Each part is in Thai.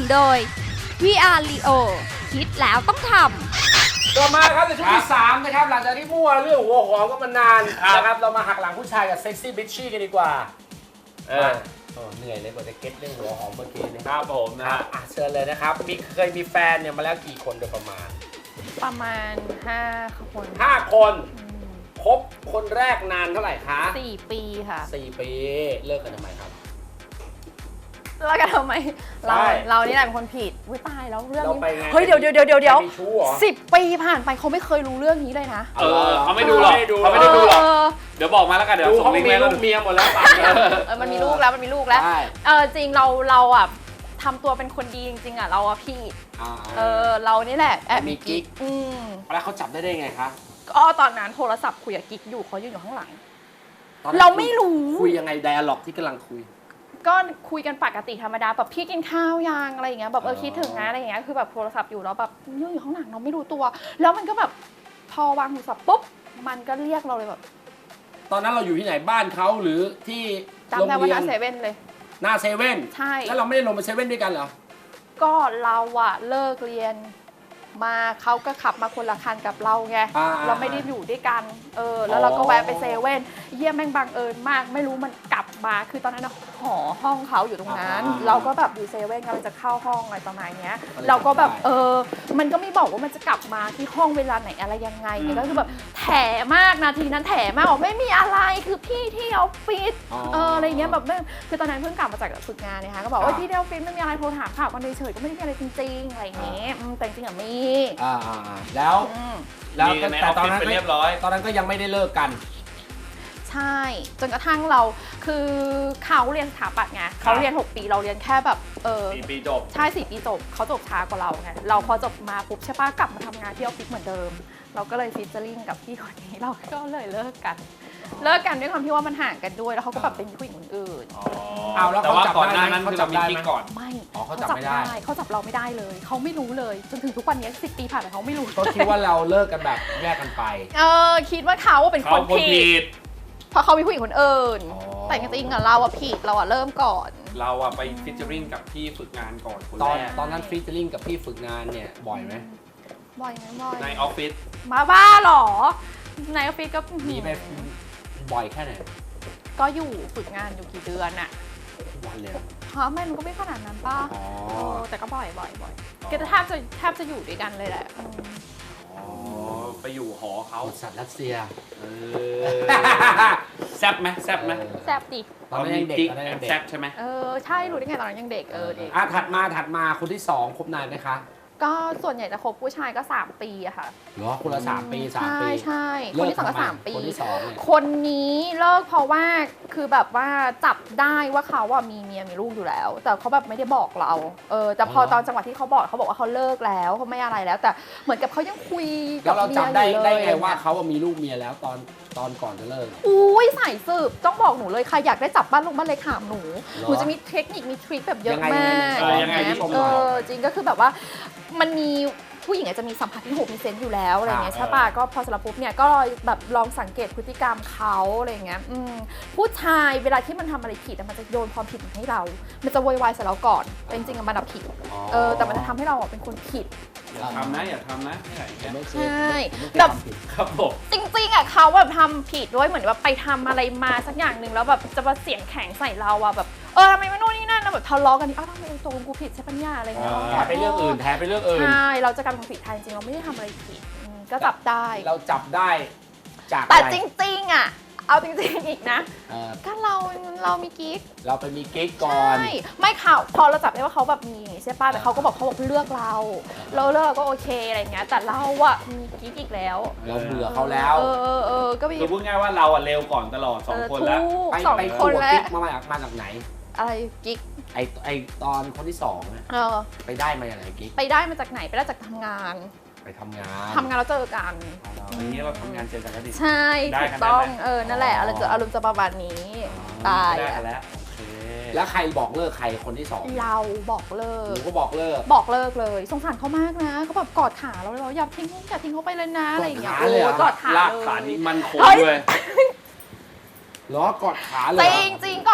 โดย VR Leo คิดแล้วต้องทำต่อมาครับในช่วงที่3นะครับหลังจากที่มั่วเรื่องหัวหอมก็มานานนะครับเรามาหักหลังผู้ชายกับเซ็กซี่บิชชี่กันดีกว่าเหนื่อยเลยกว่าจะเก็ตเรื่องหัวหอมเมื่อกี้นะครับผมนะเชิญเลยนะครับเคยมีแฟนเนี่ยมาแล้วกี่คนโดยประมาณ 5 คน 5 คนคบคนแรกนานเท่าไหร่คะ 4 ปีค่ะ 4 ปีเลิกกันทำไมครับเลิกกันทำไมเรานี่แหละเป็นคนผิดวิตายแล้วเรื่องนี้เฮ้ยเดี๋ยว 10 ปีผ่านไปเขาไม่เคยรู้เรื่องนี้เลยนะเขาไม่ดูหรอกเขาไม่ได้ดูหรอกเดี๋ยวบอกมาแล้วกันเดี๋ยวส่งลิงก์มีลูกเมียหมดแล้วมันมีลูกแล้วจริงเราอ่ะทำตัวเป็นคนดีจริงๆอ่ะเราอ่ะผิดเรานี่แหละแอบมีกิ๊กแล้วเขาจับได้ไงคะก็ตอนนั้นโทรศัพท์คุยกับกิ๊กอยู่เขายืนอยู่ข้างหลังเราไม่รู้คุยยังไงไดอะล็อกที่กำลังคุยก็คุยกันปกติธรรมดาแบบพี่กินข้าวยังอะไรอย่างเงี้ยแบบคิดถึงนะอะไรอย่างเงี้ยคือแบบโทรศัพท์อยู่แล้วแบบยืนอยู่ข้างหลังเราไม่รู้ตัวแล้วมันก็แบบพอวางโทรศัพท์ปุ๊บมันก็เรียกเราเลยแบบตอนนั้นเราอยู่ที่ไหนบ้านเขาหรือที่โรงเรียนหน้าเซเว่นเลยหน้าเซเว่นใช่แล้วเราไม่ได้ลงไปเซเว่นด้วยกันเหรอก็เราอะเลิกเรียนมาเขาก็ขับมาคนละคันกับเราไงเราไม่ได้อยู่ด้วยกันแล้วเราก็แวะไปเซเว่นเยี่ยมแม่งบังเอิญมากไม่รู้มันกลับมาคือตอนนั้นหอห้องเขาอยู่ตรงนั้นเราก็แบบอยู่เซเว่นกำลังจะเข้าห้องอะไรประมาณนี้เราก็แบบมันก็ไม่บอกว่ามันจะกลับมาที่ห้องเวลาไหนอะไรยังไงเนี่ยก็คือแบบแถมากนาทีนั้นแถมากบอกไม่มีอะไรคือพี่ที่ออฟฟิศอะไรเงี้ยแบบคือตอนนั้นเพิ่งกลับมาจากฝึกงานเนี่ยค่ะก็บอกว่าพี่ที่ออฟฟิศไม่มีอะไรโทรถามข่าวกันเฉยๆก็ไม่ได้มีอะไรจริงๆอะไรอย่างเงี้ยแต่จริงๆอะมีแล้วแต่ตอนนั้นเรียบร้อยตอนนั้นก็ยังไม่ได้เลิกกันใช่จนกระทั่งเราคือเขาเรียนสถาปัตย์ไงเขาเรียน6 ปีเราเรียนแค่แบบ 4 ปีจบใช่4 ปีจบเขาจบช้ากว่าเราไงเราพอจบมาปุ๊บใช่ป้ากลับมาทำงานที่ออฟฟิศเหมือนเดิมเราก็เลยฟิชเจอริ่งกับพี่คนนี้เราก็เลยเลิกกันด้วยความที่ว่ามันห่างกันด้วยแล้วเขาก็แบบเป็นผู้หญิงคนอื่นแล้วแต่ว่าก่อนหน้านั้นคือเรามีกิ๊กก่อนไม่เขาจับไม่ได้เขาจับเราไม่ได้เลยเขาไม่รู้เลยจนถึงทุกวันนี้10 ปีผ่านไปเขาไม่รู้ก็คิดว่าเราเลิกกันแบบแยกกันไปคิดว่าเขาเป็นคนผิดเพราะเขามีผู้หญิงคนอื่นแต่จริงๆอะเราอะผิดเราอะเริ่มก่อนเราอะไปฟิชเจอริงกับพี่ฝึกงานก่อนตอนนั้นฟิชเจอริงกับพี่ฝึกงานเนี่ยบ่อยไหมบ่อยในออฟฟิศมาบ้าหรอในออฟฟิศก็มีไปบ่อยแค่ไหนก็อยู่ฝึกงานอยู่กี่เดือนอะวันเลยไม่มันก็ไม่ขนาดนั้นป่ะแต่ก็บ่อยก็แทบจะอยู่ด้วยกันเลยแหละไปอยู่หอเขาสัตว์รัสเซียแซบไหมแซบดิตอนนั้นยังเด็กแซบใช่ไหมใช่รู้ได้ไงตอนนั้นยังเด็กเด็กถัดมาคนที่2คบนานไหมคะก็ส่วนใหญ่จะคบผู้ชายก็3 ปีอะค่ะเหรอคนละ3 ปีใช่คนที่2ก็3 ปีคนที่2 คนนี้เลิกเพราะว่าคือแบบว่าจับได้ว่าเขาว่ามีเมียมีลูกอยู่แล้วแต่เขาแบบไม่ได้บอกเราแต่พอตอนจังหวะที่เขาบอกว่าเขาเลิกแล้วเขาไม่อะไรแล้วแต่เหมือนกับเขายังคุยกับเมียอยู่เลยแล้วเราจับได้ไงว่าเขามีลูกเมียแล้วตอนก่อนจะเลิกอุ้ยสายสืบต้องบอกหนูเลยใครอยากได้จับบ้านลูกบ้านเล็กถามหนูจะมีเทคนิคมีทริคแบบเยอะมากจริงก็คือแบบว่ามันมีผู้หญิงอาจจะมีสัมผัสที่6มีเซนส์อยู่แล้วอะไรเงี้ยใช่ป่ะก็พอสำหรับปุ๊บเนี่ยก็แบบลองสังเกตพฤติกรรมเขาอะไรเงี้ยผู้ชายเวลาที่มันทำอะไรผิดมันจะโยนความผิดมาให้เรามันจะโวยวายใส่เราก่อนแต่จริงๆมันผิดแต่มันจะทำให้เราเป็นคนผิดอย่าทำนะใช่แบบครับผมจริงๆอ่ะเขาแบบทำผิดด้วยเหมือนว่าไปทำอะไรมาสักอย่างหนึ่งแล้วแบบจะมาเสียงแข็งใส่เราอ่ะแบบทำไมไม่โน่นนี่นั่นนะแบบทะเลาะกันทำไมตกลงกูผิดใช่ปัญญาอะไรเงี้ยแทนไปเรื่องอื่นใช่เราจะกลายเป็นผิดแทนจริงเราไม่ได้ทำอะไรผิดก็จับได้เราจับได้จากแต่จริงๆอ่ะเอาจริงๆอีกนะก็เรามีกิ๊กเราไปมีกิ๊กก่อนใช่ไม่ข่าวพอเราจับได้ว่าเขาแบบมีใช่ป่ะแต่เขาก็บอกเลือกเราเลือกก็โอเคอะไรเงี้ยแต่เราอะมีกิ๊กอีกแล้วเราเบื่อเขาแล้วก็มีคือพูดง่ายว่าเราอะเร็วก่อนตลอด2 คนแล้วไปคนแล้วมาจากไหนอะไรกิ๊กไอตอนคนที่2เนี่ยไปได้มาอย่างไรกิ๊กไปได้มาจากไหนไปได้จากทำงานไปทำงานแล้วเจอกันอย่างนี้เราทำงานเจอกันแล้วดิใช่ถูกต้องนั่นแหละอารมณ์จะประมาณนี้ตายแล้วแล้วใครบอกเลิกใครคนที่2 เราบอกเลิกหนูก็บอกเลิกเลยสงสารเขามากนะเขาแบบกอดขาเราอย่าทิ้งเขาไปเลยนะอะไรอย่างเงี้ยกอดขาลากขานี่มันคงเลยล้อกอดขาเลยจริงกอด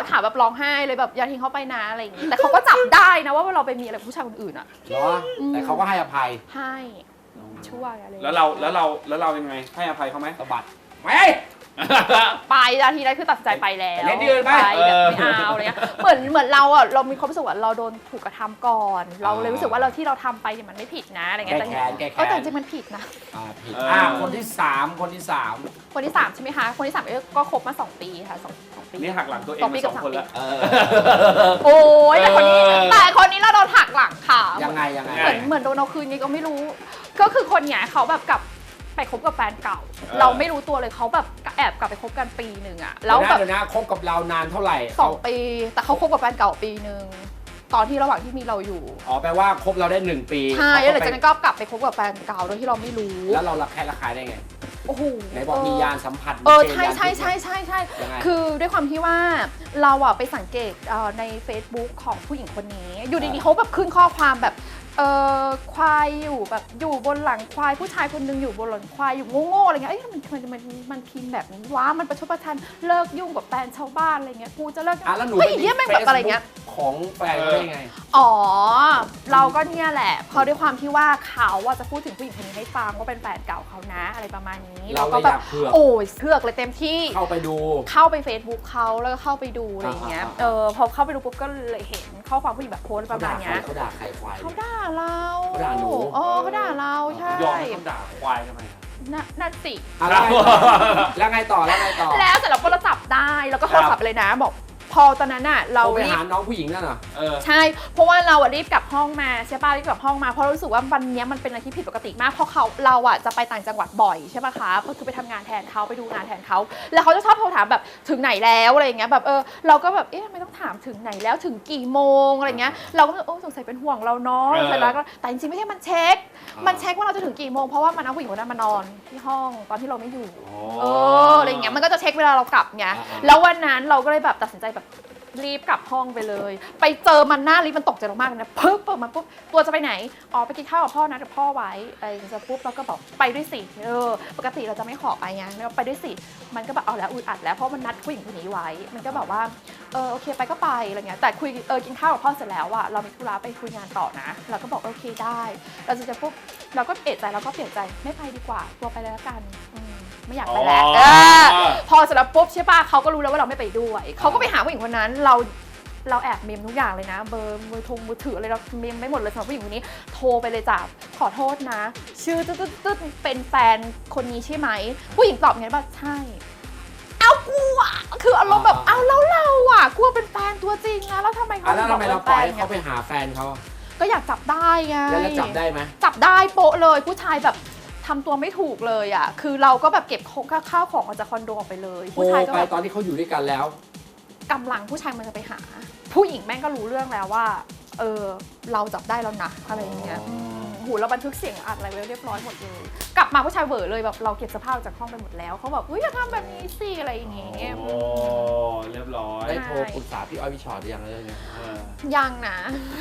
ถามแบบร้องไห้เลยแบบอย่าทิ้งเขาไปนะอะไรอย่างงี้แต่เขาก็จับได้นะว่าเราไปมีอะไรกับผู้ชายคนอื่นอ่ะเหรอแต่เขาก็ให้อภัยให้ช่วยอะไรแล้วเรายังไงให้อภัยเขาไหมสะบัดไม่ไปนาทีนั้นคือตัดสินใจไปแล้วไปเล่นที่อื่นไหมไปแบบไม่เอาอะไรเงี้ยเหมือนเราอ่ะเรามีความรู้สึกว่าเราโดนถูกกระทำก่อน เราเลยรู้สึกว่าเราที่เราทำไปเนี่ยมันไม่ผิดนะอะไรเงี้ยแก้แค้นแก้แค้นแต่จริงๆมันผิดนะผิดคนที่สามคนที่สามใช่ไหมคะคนที่สามก็คบมา2 ปีค่ะสองปีนี่หักหลังตัวเอง 2 ปีมากับ 2 คนแล้วโอ้ยแต่คนนี้เราโดนหักหลังค่ะยังไงเหมือนโดนเอาคืนไงก็ไม่รู้ ก็คือคนเนี้ยเขาแบบกลับไปคบกับแฟนเก่า เราไม่รู้ตัวเลยเขาแบบแอบกลับไปคบกันปีหนึ่งอะแล้วแบบเดี๋ยวนะคบกับเรานานเท่าไหร่ 2 ปี แต่เขาคบกับแฟนเก่าปีหนึ่งตอนที่ระหว่างที่มีเราอยู่อ๋อแปลว่าคบเราได้1 ปีใช่แล้วหลังจากนั้นก็กลับไปคบกับแฟนเก่าโดยที่เราไม่รู้แล้วเราระแคะระคายได้ไงโอ้โหไหนบอกมียานสัมผัสใช่ยังไงคือด้วยความที่ว่าเราอะไปสังเกตใน Facebook ของผู้หญิงคนนี้ อยู่ดีๆเขาแบบขึ้นข้อความแบบควายอยู่แบบอยู่บนหลังควายผู้ชายคนหนึงอยู่บนหลังควายอยู่โง่ๆอะไรเงี้ยมันพิมพ์แบบนี้วะมันประชดประชันเลิกยุ่งกับแฟนชาวบ้านอะไรเงี้ยกูจะเลิกแล้วหนูเฮ้ยเหี้ยแม่งแบบอะไรเงี้ยของแฟนเขาได้ไงอ๋อเราก็เนี่ยแหละเพราะด้วยความที่ว่าเขาว่าจะพูดถึงผู้หญิงคนนี้ให้ฟังว่าเป็นแฟนเก่าเขานะอะไรประมาณนี้เราก็เลยแบอยาบกเผือกโอ้ยเผือกเลยเต็มที่เข้าไปดูเข้าไป Facebook เขาแล้วก็เข้าไปดูอะไรอย่างเงี้ยพอเข้าไปดูปุ๊บก็เลยเห็นข้อความผู้หญิงแบบโพสต์ประมาณเนี้ยเขาด่าใครควายเขาด่าเราเขาด่าหนูเขาด่าเราใช่ยอมให้เขาด่าควายทำไมอะนั่นสิแล้วไงต่อแล้วเสร็จแล้วก็เราจับได้แล้วก็โทรศัพท์ไปเลยนะบอกพอตอนนั้นน่ะเราไปรีบหาน้องผู้หญิงนั่นเหรอใช่เพราะว่าเราอะรีบกลับห้องมาใช่ป่ะรีบกลับห้องมาเพราะรู้สึกว่าวันนี้มันเป็นอะไรที่ผิดปกติมากเพราะเราอะจะไปต่างจังหวัดบ่อยใช่ป่ะคะก็คือไปทำงานแทนเขาไปดูงานแทนเขาแล้วเขาจะชอบโทรถามแบบถึงไหนแล้วอะไรอย่างเงี้ยแบบเราก็แบบทำไมต้องถามถึงไหนแล้วถึงกี่โมงอะไรเงี้ยเราก็สงสัยเป็นห่วงเราเนาะแล้วก็แต่จริงๆไม่ใช่มันเช็คว่าเราจะถึงกี่โมงเพราะว่ามันเอาผู้หญิงคนนั้นมานอนที่ห้องตอนที่เราไม่อยู่อะไรเงี้ยมันก็จะเช็คเวลาเรากลับไงแล้ววันนั้นเราก็เลยแบบตัดสินใจแบบรีบกลับห้องไปเลยไปเจอมันหน้าลิฟต์มันตกใจเรามากเลยนะปึ๊บเปิดมาปุ๊บตัวจะไปไหนไปกินข้าวกับพ่อนะเดี๋ยวพ่อไว้อะไรอย่างเงี้ยปุ๊บเราก็บอกไปด้วยสิปกติเราจะไม่ขอไปไงเราไปด้วยสิมันก็แบบเอาแล้วอึดอัดแล้วเพราะมันนัดผู้หญิงคนนี้ไว้มันก็แบบว่าโอเคไปก็ไปอะไรเงี้ยแต่คุยกินข้าวกับพ่อเสร็จแล้วอะเรามีธุระไปคุยงานต่อนะเราก็บอกโอเคได้เราจะปุ๊บเราก็เอะใจเราก็เปลี่ยนใจไม่ไปดีกว่าตัวไปเลยละกันไม่อยากไปแล้วพอเสร็จแล้วปุ๊บใช่ป่ะเขาก็รู้แล้วว่าเราไม่ไปด้วยเขาก็ไปหาผู้หญิงคนนั้นเราแอบเมมทุกอย่างเลยนะเบอร์มือถืออะไรเราเมมไม่หมดเลยสำหรับผู้หญิงคนนี้โทรไปเลยจ้ะขอโทษนะชื่อตึ๊ดเป็นแฟนคนนี้ใช่ไหมผู้หญิงตอบไงบ้างใช่เอากูอะคืออารมณ์แบบเอาแล้วเราอะกูเป็นแฟนตัวจริงนะแล้วทำไมเขาแล้วทำไมเราปล่อยให้เขาไปหาแฟนเขาก็อยากจับได้ไงแล้วจับได้ไหมจับได้โป๊ะเลยผู้ชายแบบทำตัวไม่ถูกเลยอ่ะคือเราก็แบบเก็บข้าวของออกจากคอนโดออกไปเลยผู้ชายก็ไปแบบตอนที่เขาอยู่ด้วยกันแล้วกำลังผู้ชายมันจะไปหา ผู้หญิงแม่งก็รู้เรื่องแล้วว่าเราจับได้แล้วนะอะไรอย่างเงี้ยหูเราบันทึกเสียงอัดอะไรไว้เรียบร้อยหมดเลยกลับมาผู้ชายเวอร์เลยแบบเราเก็บเสื้อผ้าออกจากห้องไปหมดแล้วเขาแบบอย่าทำแบบนี้สิอะไรอย่างเงี้ยโอ้เรียบร้อยได้โทรปรึกษาพี่อ้อยพี่ชอตหรือยังเลยเนี่ยยังนะ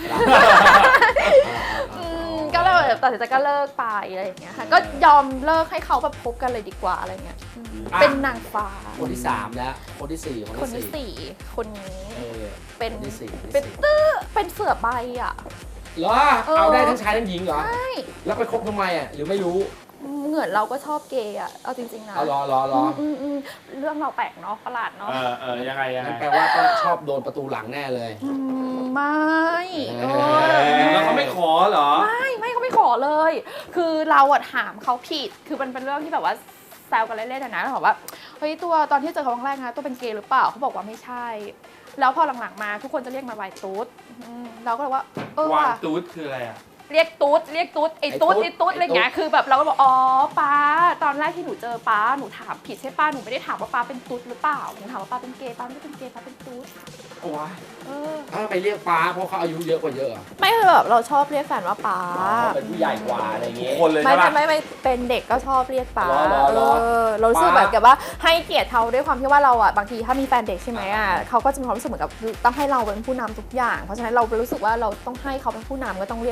ก็เลยตัดสินใจก็เลิกไปอะไรอย่างเงี้ยค่ะก็ยอมเลิกให้เขาแบบพบกันเลยดีกว่าอะไรเงี้ยเป็นนางฟ้าคนที่3แล้วคนที่4 คนที่สี่คนนี้เป็นที่สี่เป็นเสือใบอ่ะเหรอเอาได้ทั้งชายทั้งหญิงเหรอใช่แล้วไปคบทำไมอ่ะหรือไม่รู้เหมือนเราก็ชอบเกย์อ่ะเอาจริงๆนะเอารอเรื่องเราแปลกเนาะประหลาดเนาะยังไงนั่นแปลว่าต้องชอบโดนประตูหลังแน่เลยไม่แล้วเขาไม่ขอเหรอไม่เขาไม่ขอเลย คือเราอะถามเขาผิดคือมันเป็นเรื่องที่แบบว่าแซวกันเล่นๆนะเขาบอกว่าเฮ้ยตัวตอนที่เจอเขาครั้งแรกนะตัวเป็นเกย์หรือเปล่าเขาบอกว่าไม่ใช่แล้วพอหลังๆมาทุกคนจะเรียกมาวายตุ๊ดเราก็เลยว่าวางตุ๊ดคืออะไรอ่ะเรียกตุ๊ดไอ้ตุ๊ดอะไรอย่างเงี้ยคือแบบเราก็บอกอ๋อป้าตอนแรกที่หนูเจอป้าหนูถามผิดใช่ป้าหนูไม่ได้ถามว่าป้าเป็นตุ๊ดหรือเปล่าหนูถามว่าป้าเป็นเกย์ป้าไม่ได้เป็นเกย์ป้าเป็นตุ๊ดโอ้ยถ้าไปเรียกป้าเพราะเขาอายุเยอะกว่าเยอะไม่คือแบบเราชอบเรียกแฟนว่าป้าเป็นผู้ใหญ่กว่าอะไรเงี้ยคนเลยใช่ปะไม่เป็นเด็กก็ชอบเรียกป้าเรารู้สึกแบบกับว่าให้เกียรติเขาด้วยความที่ว่าเราอ่ะบางทีถ้ามีแฟนเด็กใช่ไหมอ่ะเขาก็จะมีความรู้สึกเหมือนกับต้องให้เราเป็นผู้นำทุกอย่างเพราะฉะนั้นเรารู้สึกว่าเราต้องให้เขาเป็นผู้นำก็ต้องเรียกเขาแบบป้า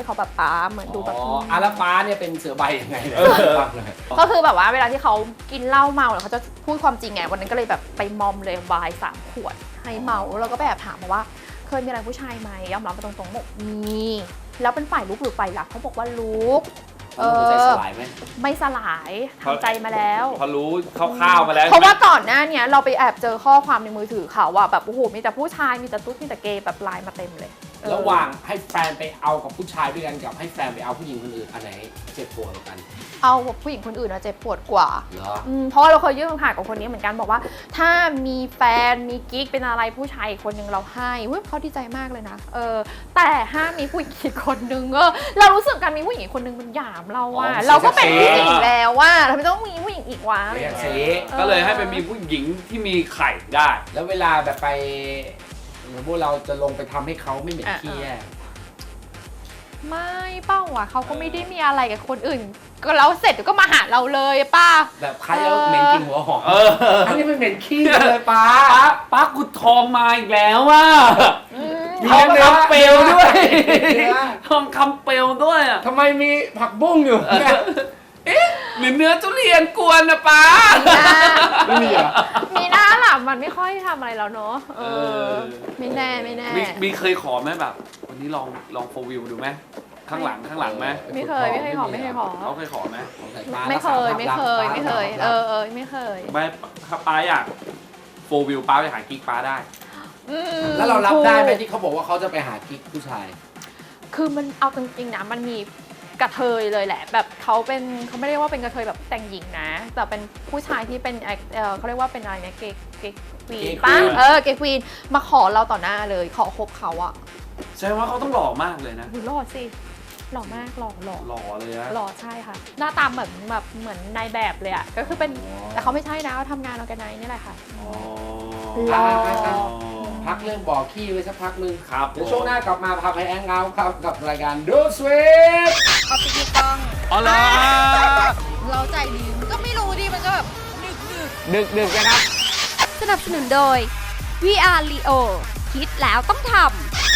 เหมือนดูแบบแล้วฟ้าเนี่ยเป็นเสือใบยังไงเนี่ยฟังเลยก็คือแบบว่าเวลาที่เขากินเหล้าเมาเนี่ยเขาจะพูดความจริงไงวันนั้นก็เลยแบบไปมอมเลยวาย3 ขวดให้เมาแล้วก็ไปแอบถามมาว่าเคยมีอะไรผู้ชายไหมยอมรับมาตรงๆบอกมีแล้วเป็นฝ่ายลุกหรือฝ่ายรับเขาบอกว่าลุกใจสลายไหมไม่สลายทำใจมาแล้วพอรู้คร่าวๆมาแล้วเพราะว่าก่อนหน้าเนี้ยเราไปแอบเจอข้อความในมือถือเขาว่าแบบโอ้โหมีแต่ผู้ชายมีแต่ตุ๊ดมีแต่เกย์แบบไลน์มาเต็มเลยระหว่างให้แฟนไปเอากับผู้ชายด้วยกันกับให้แฟนไปเอาผู้หญิงคนอื่นอันไหนเจ็บปวดกว่ากันเอาผู้หญิงคนอื่นอะเจ็บปวดกว่าเหรอเพราะว่าเราเคยยื่นคำขาดกับคนนี้เหมือนกันบอกว่า ถ้ามีแฟนมีกิ๊กเป็นอะไรผู้ชายอีกคนนึงเราให้เขาดีใจมากเลยนะแต่ห้ามมีผู้หญิงอีกคนนึงเรารู้สึกการมีผู้หญิงอีกคนนึงมันหยามเราว่าเราก็เป็นผู้หญิงแล้วว่าเราไม่ต้องมีผู้หญิงอีกวะเรียกเซก็เลยให้ไปมีผู้หญิงที่มีไข่ได้แล้วเวลาแบบไปพวกเราจะลงไปทำให้เขาไม่เหม็นขี้แย่ไม่เป้าอ่ะเขาก็ไม่ได้มีอะไรกับคนอื่น ก็เราเสร็จก็มาหาเราเลยป้าแบบใครแล้วเหม็นกินหัวหอมอันนี้ไม่เหม็นขี้เลยป้าป้ากุดทองมาอีกแล้วว่ะมีทองเนื้อคำเปลวด้วยเนื้อทองคำเปลวด้วยอ่ะทำไมมีผักบุ้งอยู่เนี่ยหรือเนื้อทุเรียนกวนนะป้าไม่มีเหรอมีหน้าหลับมันไม่ค่อยทำอะไรแล้วเนาะไม่แน่มีเคยขอไหมแบบ วันนี้ลองโฟวิวดูไหมข้างหลังไหมไม่เคยขอเขาเคยขอไหมไม่เคยไม่เคยไม่เคยไม่ถ้าป้าอยากโฟวิวป้าไปหากิ๊กป้าได้แล้วเรารับได้ไหมที่เขาบอกว่าเขาจะไปหากิ๊กผู้ชายคือมันเอาจริงๆนะมันมีกระเทยเลยแหละแบบเขาไม่ได้ว่าเป็นกระเทยแบบแต่งหญิงนะแต่เป็นผู้ชายที่เป็นเขาเรียกว่าเป็นอะไรนะเกย์ควีนป้าเกย์ควีนมาขอเราต่อหน้าเลยขอคบเขาอะใช่ว่าเขาต้องหล่อมากเลยนะหล่อสิหล่อมากหล่อหล่อเลยนะหล่อใช่ค่ะหน้าตาเหมือนนายแบบเลยอะก็คือเป็นแต่เขาไม่ใช่นะเขาทำงานออร์แกไนซ์นี่แหละค่ะหล่อพักเรื่องบ่อขี้ไว้สักพักนึงครับเดี๋ยวช่วงหน้ากลับมาพาไปแองเอาท์ครับกับรายการดูสวีทเอาไปดูกล้องอ๋อเหรอเราใจดีมันก็ไม่รู้ดิมันก็แบบดึกนะครับสนับสนุนโดย VR Leo คิดแล้วต้องทำ